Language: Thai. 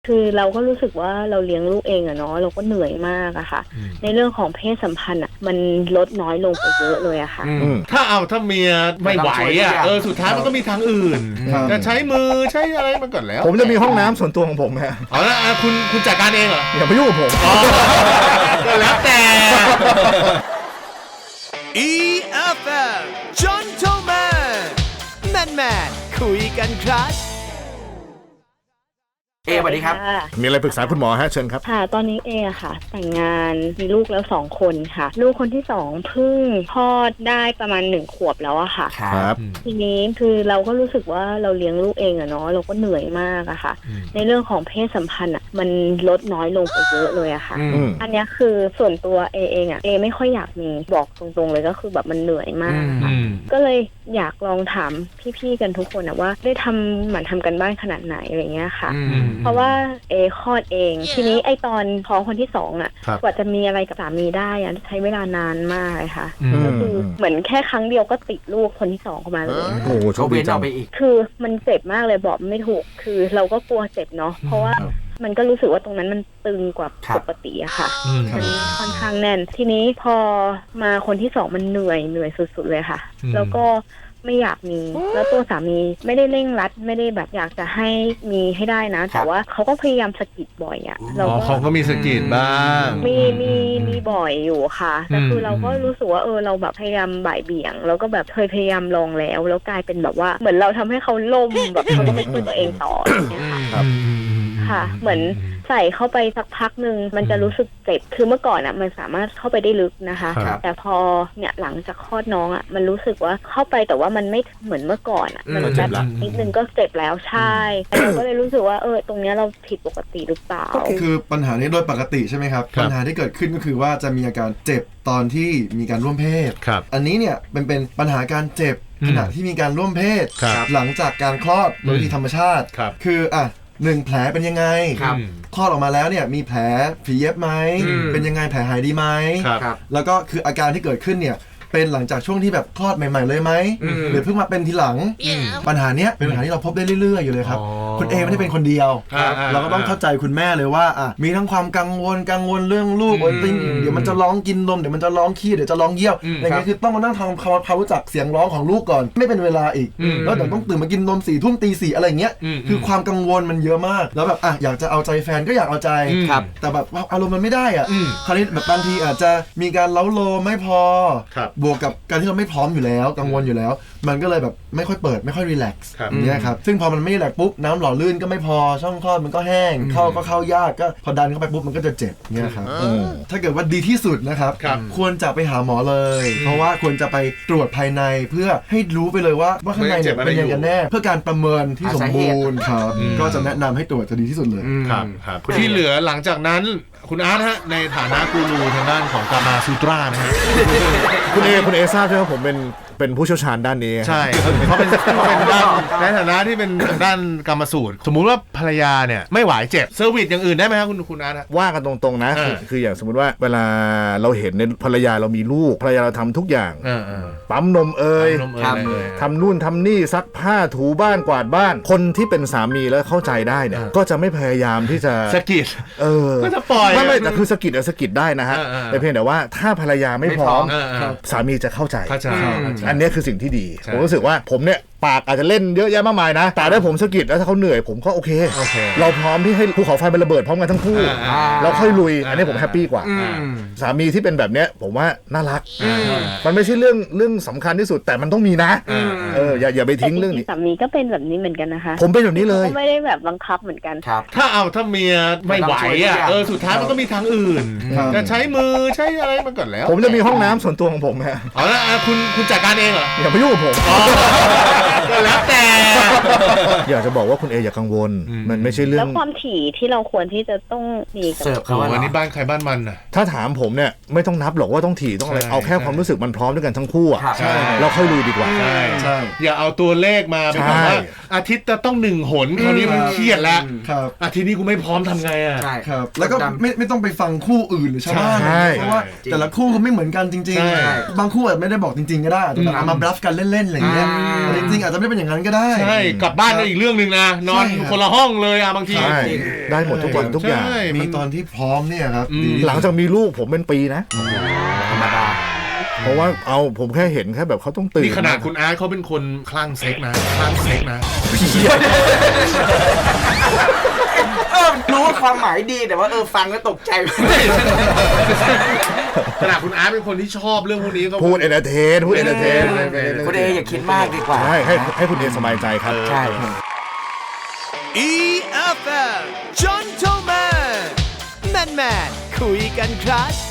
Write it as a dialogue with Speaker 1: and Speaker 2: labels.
Speaker 1: คือเราก็รู้สึกว่าเราเลี้ยงลูกเองอะเนาะเราก็เหนื่อยมากอะค่ะในเรื่องของเพศสัมพันธ์อะมันลดน้อยลงไปเยอะเลยอะค่ะ
Speaker 2: ถ้าเมียไม่ไหวอะสุดท้ายมันก็มีทางอื่นจะใช้มือใช้อะไรมันก่อนแล้ว
Speaker 3: ผมจะมีห้องน้ำส่วนตัวของผมฮะ
Speaker 2: เอาละคุณจัดการเองเหรอ
Speaker 3: อย่าไปยุ่งกับผม
Speaker 2: ก็แล้วแต่
Speaker 4: EFM Gentleman Man คุยกันครับ
Speaker 5: สวัสดีครับ
Speaker 3: มีอะไรปรึกษาคุณหมอฮะเชิญครับ
Speaker 1: ค่ะตอนนี้ค่ะแต่งงานมีลูกแล้ว2 คนค่ะลูกคนที่2เพิ่งคลอดได้ประมาณ1 ขวบแล้วอะค่ะ
Speaker 3: ครับ
Speaker 1: ทีนี้คือเราก็รู้สึกว่าเราเลี้ยงลูกเองอะเนาะเราก็เหนื่อยมากอะค่ะในเรื่องของเพศสัมพันธ์อะมันลดน้อยลงไปเยอะเลยอะค่ะอันนี้คือส่วนตัวเองอะไม่ค่อยอยากมีบอกตรงๆเลยก็คือแบบมันเหนื่อยมากก็เลยอยากลองถามพี่ๆกันทุกคนอะว่าได้หมั่นทำกันบ้านขนาดไหนอะไรเงี้ยค่ะเพราะว่าคลอดเองทีนี้ตอนท้องคนที่2อะกว่าจะมีอะไรกับสามีได้อะใช้เวลานานมากเลยค่ะก็คือเหมือนแค่ครั้งเดียวก็ติดลูกคนที่2เข้ามาเลย
Speaker 3: โอ้โหโชคดีจัง
Speaker 1: คือมันเจ็บมากเลยบอกไม่ถูกคือเราก็กลัวเจ็บเนาะเพราะว่ามันก็รู้สึกว่าตรงนั้นมันตึงกว่าปกติอะค่ะมันค่อนข้างแน่นทีนี้พอมาคนที่2มันเหนื่อยสุดๆเลยค่ะแล้วก็ไม่อยากมีแล้วตัวสามีไม่ได้เร่งรัดไม่ได้แบบอยากจะให้มีให้ได้นะแต่ว่าเขาก็พยายามสะกิดบ่อยอ่ะ
Speaker 2: เขาก็มีสะกิดบ้าง
Speaker 1: มีบ่อยอยู่ค่ะแต่คือเราก็รู้สึกว่าเราแบบพยายามบ่ายเบี่ยงแล้วก็แบบเคยพยายามลองแล้วกลายเป็นแบบว่าเหมือนเราทำให้เขาล่มแบบเขาก็ไม่ช่วยตัวเองต่ออย่างเงี้ยค่ะเหมือนใส่เข้าไปสักพักนึงมันจะรู้สึกเจ็บคือเมื่อก่อนอ่ะมันสามารถเข้าไปได้ลึกนะคะแต่พอเนี่ยหลังจากคลอดน้องอ่ะมันรู้สึกว่าเข้าไปแต่ว่ามันไม่เหมือนเมื่อก่อนอ่ะมันแบบนิดนึงก็เจ็บแล้วใช่เราก็เลยรู้สึกว่าตรงเนี้ยเราผิดปกติหรือเปล่า
Speaker 5: คือปัญหานี้โดยปกติใช่ไหมครับปัญหาที่เกิดขึ้นก็คือว่าจะมีอาการเจ็บตอนที่มีการร่วมเพศอันนี้เนี่ยเป็นปัญหาการเจ็บขณะที่มีการร่วมเพศหลังจากการคลอดโดยวิธีธรรมชาติคือ1 แผลเป็นยังไงคลอดออกมาแล้วเนี่ยมีแผลฝีเย็บไหมเป็นยังไงแผลหายดีไหมแล้วก็คืออาการที่เกิดขึ้นเนี่ยเป็นหลังจากช่วงที่แบบคลอดใหม่ๆเลยไหมหรือเพิ่งมาเป็นทีหลังปัญหาเนี้ยเป็นปัญหาที่เราพบได้เรื่อยๆอยู่เลยครับคุณไม่ได้เป็นคนเดียวเราก็ต้องเข้าใจคุณแม่เลยว่ามีทั้งความกังวลเรื่องลูกเดี๋ยวมันจะร้องกินนมเดี๋ยวมันจะร้องขี้เดี๋ยวจะร้องเยี่ยวอย่างเงี้ยคือต้องมานั่งทำความรู้จักเสียงร้องของลูกก่อนไม่เป็นเวลาอีกแล้วเดี๋ยวต้องตื่นมากินนม4 ทุ่มตี 4อะไรเงี้ยคือความกังวลมันเยอะมากแล้วแบบอยากจะเอาใจแฟนก็อยากเอาใจแต่แบบอารมณ์มันไม่ได้คราวนี้แบบบางทีอาจจะมีการเล้าโลไม่พอบวกกับการที่เราไม่พร้อมอยู่แล้วกังวลอยู่แล้วมันก็เลยแบบไม่ค่อยเปิดไม่ค่อยรีแลกซ์เนี่ยครับซึ่งพอมันไม่รีแลกซ์ปุ๊บน้ำหล่อลื่นก็ไม่พอช่องคลอดมันก็แห้งเข้ายากก็พอดันเข้าไปปุ๊บมันก็จะเจ็บเนี่ยครับถ้าเกิดว่าดีที่สุดนะครับควรจะไปหาหมอเลยเพราะว่าควรจะไปตรวจภายในเพื่อให้รู้ไปเลยว่าข้างในเนี่ยเป็นยังไงกันแน่เพื่อการประเมินที่สมบูรณ์ครับก็จะแนะนำให้ตรวจจะดีที่สุดเลย
Speaker 2: ครับที่เหลือหลังจากนั้นคุณอาร์ตฮะในฐานะกูรูทางด้านของกามาซูตรานะฮะ
Speaker 3: คุณทราบใช่ไหมผมเป็นผู้เชี่ยวชาญด้านนี้
Speaker 2: ใช่เขาเป็นด้านในฐานะที่เป็นด้านกรรมสูตรสมมุติว่าภรรยาเนี่ยไม่ไหวเจ็บเซอร์วิสอย่างอื่นได้ไหมครับคุณอาร์ต
Speaker 3: ว่ากันตรงๆนะคืออย่างสมมติว่าเวลาเราเห็นในภรรยาเรามีลูกภรรยาเราทำทุกอย่างปั๊มนมทำนู่นทำนี่ซักผ้าถูบ้านกวาดบ้านคนที่เป็นสามีแล้วเข้าใจได้เนี่ยก็จะไม่พยายามที่จะ
Speaker 2: สะกิดก็จะปล่อย
Speaker 3: ไม่แต่คือสะกิดได้นะฮะแต่เพียงแต่ว่าถ้าภรรยาไม่พร้อมสามีจะเข้าใจอันนี้คือสิ่งที่ดีผมรู้สึกว่าผมเนี่ยปากอาจจะเล่นเยอะแยะมากมายนะแต่ถ้าผมสะกิดแล้วถ้าเขาเหนื่อยผมก็โอเคเราพร้อมที่ให้ภูเขาไฟมันระเบิดพร้อมกันทั้งคู่เราค่อยลุยอันนี้ผมแฮปปี้กว่าสามีที่เป็นแบบเนี้ยผมว่าน่ารักมันไม่ใช่เรื่องสำคัญที่สุดแต่มันต้องมีนะอย่าไปทิ้งเรื่องนี้
Speaker 1: สามีก็เป็นแบบนี้เหมือนกันนะคะ
Speaker 3: ผมเป็นแบบนี้เลย
Speaker 1: ไม่ได้แบบบังคับเหมือนกัน
Speaker 2: ถ้าเมียไม่ไหวสุดท้ายมันก็มีทางอื่นจะใช้มือใช้อะไรมันก่อนแล้ว
Speaker 3: ผมจะมีห้องน้ำส่วนตัวของผมฮะ
Speaker 2: เอาละคุณจัดการเองเหรอ
Speaker 3: อย่าไปยุ่งกับผม
Speaker 2: ก็แล้วแต่
Speaker 3: อยากจะบอกว่าคุณอย่ากังวลมันไม่ใช่เรื่อง
Speaker 1: แล้วความถี่ที่เราควรที่จะต้องมี
Speaker 2: เสิร์ฟเขาวันนี้บ้านใครบ้านมันน่ะ
Speaker 3: ถ้าถามผมเนี่ยไม่ต้องนับหรอกว่าต้องถี่ต้องอะไรเอาแค่ความรู้สึกมันพร้อมด้วยกันทั้งคู่อ่ะเราค่อยลุยดีกว่า
Speaker 2: ใช่อย่าเอาตัวเลขมาเป็นว่าอาทิตย์จะต้อง1 หนคราวนี้มันเครียดแล้วอาทิตย์นี้กูไม่พร้อมทำไงอ่ะ
Speaker 5: ใช่
Speaker 2: ครับ
Speaker 5: แล้วก็ไม่ต้องไปฟังคู่อื่นหรือชาวบ้านเพราะว่าแต่ละคู่ก็ไม่เหมือนกันจริงๆบางคู่อาจไม่ได้บอกจริงๆก็ได้แต่มาบลัฟกันเล่นๆอะไรอย่างเงี้ยจริงๆอาจจะไม่เป็นอย่างนั้นก็ได้
Speaker 2: ใช่กลับบ้านก็อีกเรื่องนึงนะนอนคนละห้องเลยบางที
Speaker 3: ได้หมดทุกวันทุกอย่าง
Speaker 5: มีตอนที่พร้อมเนี่ยครับ
Speaker 3: หลังจากมีลูกผมเป็นปีนะ
Speaker 6: ธรรมดา
Speaker 3: เพราะว่าผมแค่เห็นแค่แบบเขาต้องตื่น
Speaker 2: นี่ขนาดคุณอาร์ตเขาเป็นคนคลั่งเซ็กนะคลั่งเซ็กนะ
Speaker 6: รู้ว่าความหมายดีแต่ว่าฟังแล้วตกใจ
Speaker 2: ขนาดคุณอาร์ตเป็นคนที่ชอบเรื่องพวกนี้ก็
Speaker 3: พูดเอนเตอร์เทนคุณ
Speaker 6: เออย่าคิดมากดีกว่า
Speaker 3: ให้คุณเอสบายใจครับ
Speaker 6: ใช่
Speaker 4: EFM Gentleman แมนคุยกันครับ